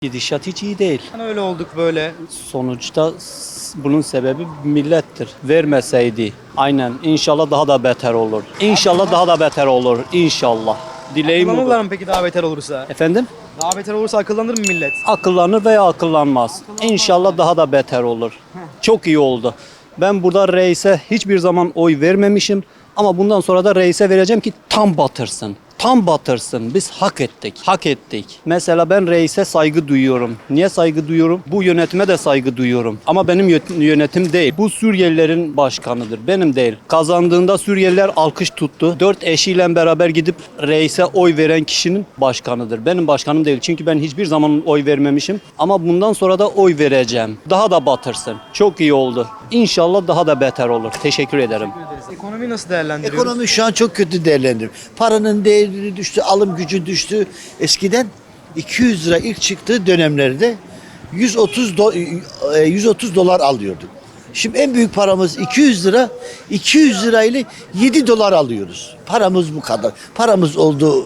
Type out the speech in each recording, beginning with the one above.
Gidişat hiç iyi değil. Hani öyle olduk böyle. Sonuçta bunun sebebi millettir. Vermeseydi aynen inşallah daha da beter olur. İnşallah daha da beter olur. İnşallah. Dileğim Akıllanırlar budur. mı peki daha beter olursa? Efendim? Daha beter olursa akıllanır mı millet? Akıllanır veya akıllanmaz. İnşallah daha da beter olur. Çok iyi oldu. Ben burada reise hiçbir zaman oy vermemişim. Ama bundan sonra da reise vereceğim ki tam batırsın. Tam batırsın. Biz hak ettik. Hak ettik. Mesela ben reise saygı duyuyorum. Niye saygı duyuyorum? Bu yönetime de saygı duyuyorum. Ama benim yönetim değil. Bu Suriyelilerin başkanıdır. Benim değil. Kazandığında Suriyeliler alkış tuttu. 4 eşiyle beraber gidip reise oy veren kişinin başkanıdır. Benim başkanım değil. Çünkü ben hiçbir zaman oy vermemişim. Ama bundan sonra da oy vereceğim. Daha da batırsın. Çok iyi oldu. İnşallah daha da beter olur. Teşekkür ederim. Ekonomiyi nasıl değerlendiriyoruz? Ekonomi şu an çok kötü değerlendiriyor. Paranın değeri düştü, alım gücü düştü. Eskiden 200 lira ilk çıktığı dönemlerde 130 dolar alıyorduk. Şimdi en büyük paramız 200 lira. 200 lirayla 7 dolar alıyoruz. Paramız bu kadar. Paramız oldu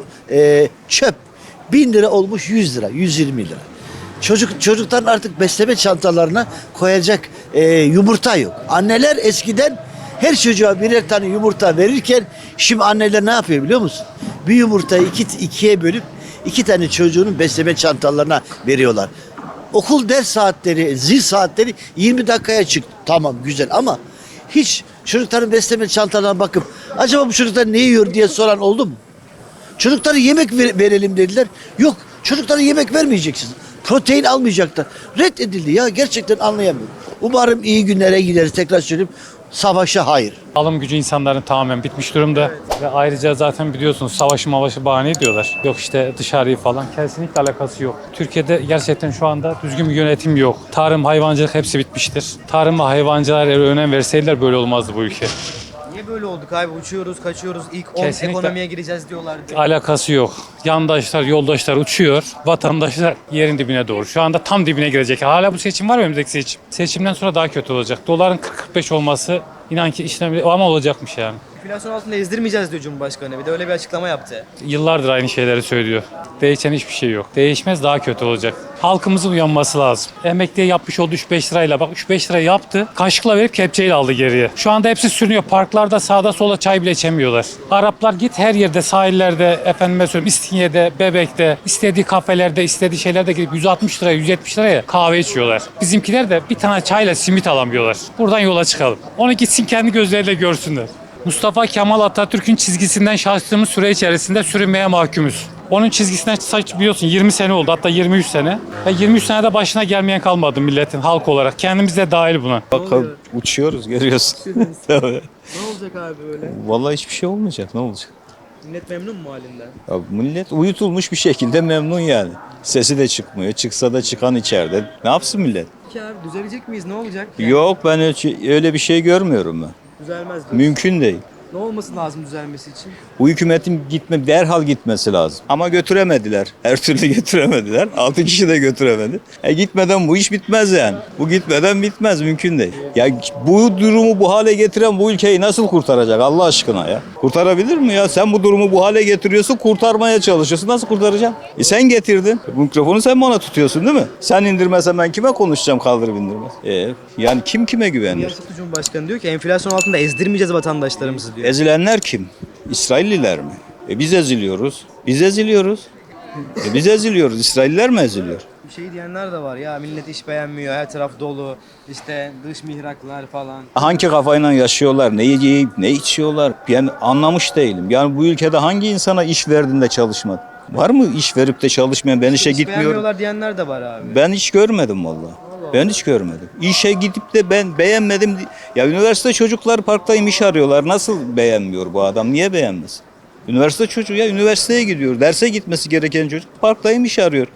çöp. 1000 lira olmuş 100 lira, 120 lira. Çocukların artık besleme çantalarına koyacak yumurta yok. Anneler eskiden her çocuğa birer tane yumurta verirken şimdi anneler ne yapıyor biliyor musun? Bir yumurtayı ikiye bölüp 2 tane çocuğunun besleme çantalarına veriyorlar. Okul ders saatleri, zil saatleri 20 dakikaya çıktı. Tamam güzel ama hiç çocukların besleme çantalarına bakıp acaba bu çocuklar ne yiyor diye soran oldu mu? Çocuklara yemek verelim dediler. Yok, çocuklara yemek vermeyeceksiniz. Protein almayacaklar. Reddedildi ya, gerçekten anlayamıyorum. Umarım iyi günlere gideriz, tekrar söyleyeyim. Savaşa hayır. Alım gücü insanların tamamen bitmiş durumda. Ve ayrıca zaten biliyorsunuz savaşı bahane ediyorlar. Yok işte dışarıyı falan. Kesinlikle alakası yok. Türkiye'de gerçekten şu anda düzgün bir yönetim yok. Tarım, hayvancılık hepsi bitmiştir. Tarım ve hayvancılığa önem verseydiler böyle olmazdı bu ülke. Niye böyle olduk abi? Uçuyoruz, kaçıyoruz. İlk 10 Kesinlikle. ekonomiye gireceğiz diyorlar. Alakası yok. Yandaşlar, yoldaşlar uçuyor. Vatandaşlar yerin dibine doğru. Şu anda tam dibine girecek. Hala bu seçim var mı önümüzdeki seçim? Seçimden sonra daha kötü olacak. Doların 40-45 olması inan ki işlem ama olacakmış yani. Enflasyon altında ezdirmeyeceğiz diyor Cumhurbaşkanı. Bir de öyle bir açıklama yaptı. Yıllardır aynı şeyleri söylüyor. Değişen hiçbir şey yok. Değişmez, daha kötü olacak. Halkımızın uyanması lazım. Emekliye yapmış olduğu 3-5 lirayla, bak 3-5 lira yaptı. Kaşıkla verip kepçeyle aldı geriye. Şu anda hepsi sürünüyor. Parklarda sağda sola çay bile içemiyorlar. Araplar git her yerde, sahillerde, efendime söyleyeyim İstinye'de, Bebek'te, istediği kafelerde, istediği şeylerde gidip 160 liraya, 170 liraya kahve içiyorlar. Bizimkiler de bir tane çayla simit alamıyorlar. Buradan yola çıkalım. Onu gitsin kendi gözleriyle görsünler. Mustafa Kemal Atatürk'ün çizgisinden şaştığımız süre içerisinde sürünmeye mahkumuz. Onun çizgisinden biliyorsun 20 sene oldu, hatta 23 sene. Ve 23 senede başına gelmeyen kalmadı milletin, halk olarak. Kendimiz de dahil buna. Bakalım uçuyoruz görüyorsun. Tabii. Ne olacak abi böyle? Vallahi hiçbir şey olmayacak, ne olacak? Millet memnun mu halinden? Ya millet uyutulmuş bir şekilde memnun yani. Sesi de çıkmıyor. Çıksa da çıkan içeride. Ne yapsın millet? Ki abi düzelecek miyiz? Ne olacak? Yok ben öyle bir şey görmüyorum ben. Düzelmez diyor. Mümkün değil. Ne olması lazım düzelmesi için? Bu hükümetin derhal gitmesi lazım. Ama götüremediler. Her türlü götüremediler. 6 kişi de götüremedi. Gitmeden bu iş bitmez yani. Bu gitmeden bitmez, mümkün değil. Ya bu durumu bu hale getiren bu ülkeyi nasıl kurtaracak Allah aşkına ya? Kurtarabilir mi ya? Sen bu durumu bu hale getiriyorsun, kurtarmaya çalışıyorsun. Nasıl kurtaracaksın? Sen getirdin. Bu mikrofonu sen bana tutuyorsun değil mi? Sen indirmezsen ben kime konuşacağım kaldırıp indirmez? Yani kim kime güvenir? Açıklı Cumhurbaşkanı diyor ki enflasyon altında ezdirmeyeceğiz vatandaşlarımızı diyor. Ezilenler kim? İsrailliler mi? Biz eziliyoruz. Biz eziliyoruz. Biz eziliyoruz. İsrailliler mi eziliyor? Bir şey diyenler de var ya, millet iş beğenmiyor, her taraf dolu, işte dış mihraklar falan. Hangi kafayla yaşıyorlar? Ne yiyip ne içiyorlar? Ben anlamış değilim. Yani bu ülkede hangi insana iş verdiğinde çalışmadı? Var mı iş verip de çalışmayan? Ben işe İş gitmiyorum. beğenmiyorlar diyenler de var abi. Ben hiç görmedim vallahi. Ben hiç görmedim. İşe gidip de ben beğenmedim. Ya üniversite çocuklar parktayım iş arıyorlar. Nasıl beğenmiyor bu adam? Niye beğenmez? Üniversite çocuğu ya üniversiteye gidiyor. Derse gitmesi gereken çocuk parktayım iş arıyor.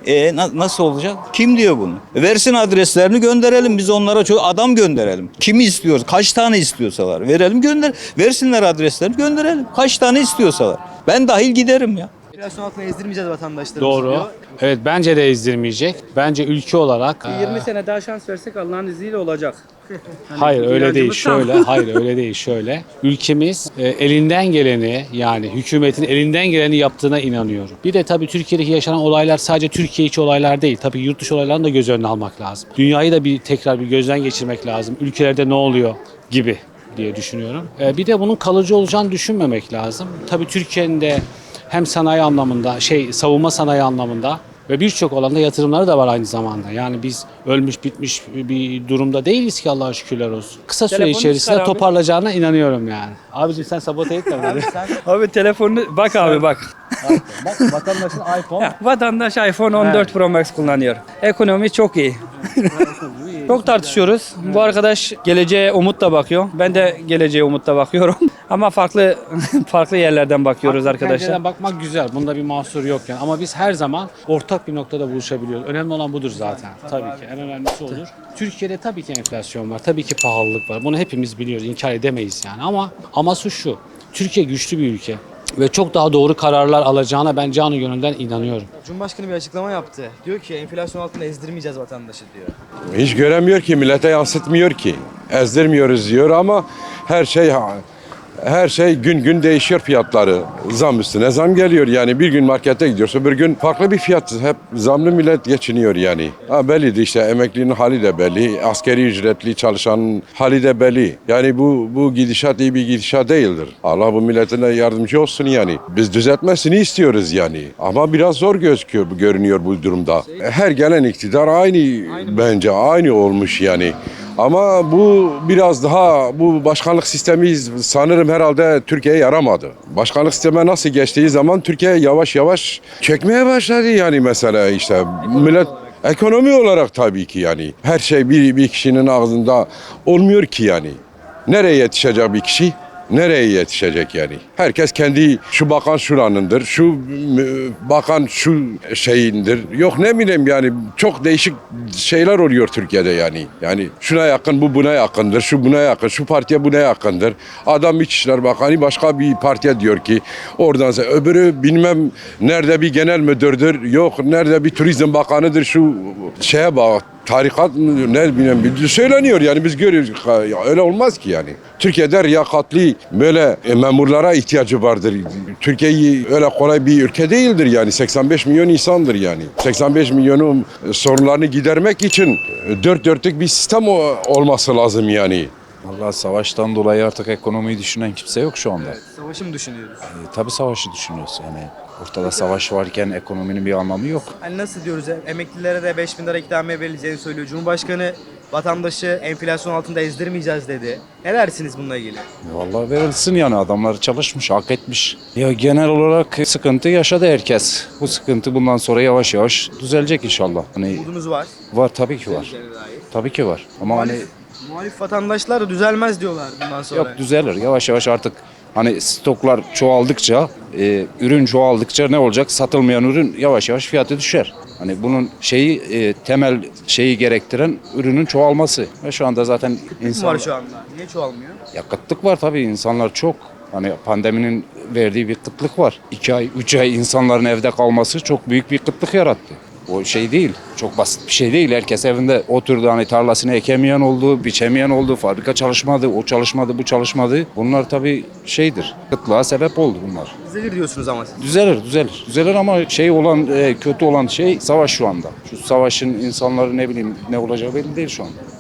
Nasıl olacak? Kim diyor bunu? Versin adreslerini gönderelim. Biz onlara adam gönderelim. Kimi istiyoruz? Kaç tane istiyorsalar. Verelim versinler adreslerini gönderelim. Kaç tane istiyorsalar. Ben dahil giderim ya. Enflasyon altına ezdirmeyeceğiz vatandaşlarımızı Doğru. diyor. Evet bence de ezdirmeyecek. Bence ülke olarak 20 sene daha şans versek Allah'ın izniyle olacak. hayır öyle değil inancımız tam. şöyle hayır öyle değil şöyle. Ülkemiz elinden geleni yani hükümetin elinden geleni yaptığına inanıyorum. Bir de tabii Türkiye'deki yaşanan olaylar sadece Türkiye içi olaylar değil. Tabii yurt dışı olaylarını da göz önüne almak lazım. Dünyayı da tekrar bir gözden geçirmek lazım. Ülkelerde ne oluyor gibi diye düşünüyorum. Bir de bunun kalıcı olacağını düşünmemek lazım. Tabii Türkiye'nin de hem sanayi anlamında, savunma sanayi anlamında ve birçok alanda yatırımları da var aynı zamanda. Yani biz ölmüş bitmiş bir durumda değiliz ki Allah'a şükürler olsun. Kısa süre Telefonu içerisinde çıkar abi. toparlayacağına inanıyorum yani. Abicim sen sabote etme beni. Abi telefonunu bak abi bak. Bak vatandaşın iPhone. Ya, vatandaş iPhone 14 Pro Max kullanıyor. Ekonomi çok iyi. Çok tartışıyoruz. Bu arkadaş geleceğe umutla bakıyor. Ben de geleceğe umutla bakıyorum. Ama farklı yerlerden bakıyoruz arkadaşlar. Pencereden bakmak güzel. Bunda bir mahsur yok yani. Ama biz her zaman ortak bir noktada buluşabiliyoruz. Önemli olan budur zaten. Tabii ki. En önemlisi odur. Türkiye'de tabii ki enflasyon var. Tabii ki pahalılık var. Bunu hepimiz biliyoruz. İnkar edemeyiz yani. Ama şu. Türkiye güçlü bir ülke. Ve çok daha doğru kararlar alacağına ben canı gönülden inanıyorum. Cumhurbaşkanı bir açıklama yaptı. Diyor ki enflasyon altına ezdirmeyeceğiz vatandaşı diyor. Hiç göremiyor ki, millete yansıtmıyor ki. Ezdirmiyoruz diyor ama her şey gün gün değişiyor fiyatları. Zam üstüne zam geliyor yani. Bir gün markete gidiyorsa öbür gün farklı bir fiyat. Hep zamlı millet geçiniyor yani. Bellidir işte, emeklinin hali de belli. Askeri ücretli çalışanın hali de belli. Yani bu gidişat iyi bir gidişat değildir. Allah bu milletine yardımcı olsun yani. Biz düzeltmesini istiyoruz yani. Ama biraz zor görünüyor bu durumda. Her gelen iktidar bence aynı olmuş yani. Ama bu biraz daha, bu başkanlık sistemi sanırım herhalde Türkiye'ye yaramadı. Başkanlık sisteme nasıl geçtiği zaman Türkiye yavaş yavaş çökmeye başladı yani. Mesela işte millet ekonomi olarak tabii ki yani. Her şey bir kişinin ağzında olmuyor ki yani. Nereye yetişecek bir kişi? Nereye yetişecek yani? Herkes kendi, şu bakan şuranındır, şu bakan şu şeyindir. Yok ne bileyim yani, çok değişik şeyler oluyor Türkiye'de yani. Yani şuna yakın, bu buna yakındır, şu buna yakın, şu partiye buna yakındır. Adam İçişleri Bakanı başka bir partiye diyor ki oradan, öbürü bilmem nerede bir genel müdürdür, yok nerede bir turizm bakanıdır, şu şeye bak. Tarikat mı ne bileyim söyleniyor yani, biz görüyoruz. Öyle olmaz ki yani. Türkiye'de riyakatli böyle memurlara ihtiyacı vardır. Türkiye öyle kolay bir ülke değildir yani. 85 milyon insandır yani. 85 milyonun sorunlarını gidermek için dört dörtlük bir sistem olması lazım yani. Vallahi savaştan dolayı artık ekonomiyi düşünen kimse yok şu anda. Savaşı mı düşünüyoruz? Tabii savaşı düşünüyoruz yani. Ortada savaş varken ekonominin bir anlamı yok. Hani nasıl diyoruz, emeklilere de 5.000 lira ikramiye verileceğini söylüyor. Cumhurbaşkanı vatandaşı enflasyon altında ezdirmeyeceğiz dedi. Ne dersiniz bununla ilgili? Vallahi verilsin yani, adamlar çalışmış, hak etmiş. Ya genel olarak sıkıntı yaşadı herkes. Bu sıkıntı bundan sonra yavaş yavaş düzelecek inşallah. Hani Umudunuz var. var, tabii ki var. Düzeleceğine dair. Tabii ki var. Ama hani Muhalif vatandaşlar da düzelmez diyorlar bundan sonra. yok, düzelir. Yavaş yavaş artık hani stoklar çoğaldıkça, ürün çoğaldıkça ne olacak? Satılmayan ürün yavaş yavaş fiyatı düşer. Hani bunun temel şeyi gerektiren ürünün çoğalması. Ve şu anda zaten İnsan var şu anda. Niye çoğalmıyor? ya kıtlık var tabii, insanlar çok. Hani pandeminin verdiği bir kıtlık var. 2 ay, 3 ay insanların evde kalması çok büyük bir kıtlık yarattı. O şey değil, çok basit bir şey değil. Herkes evinde oturdu, hani tarlasını ekemeyen oldu, biçemeyen oldu, fabrika çalışmadı, o çalışmadı, bu çalışmadı. Bunlar tabii kıtlığa sebep oldu bunlar. Düzelir diyorsunuz ama siz. Düzelir ama kötü olan şey savaş şu anda. Şu savaşın insanları ne bileyim ne olacağı belli değil şu anda.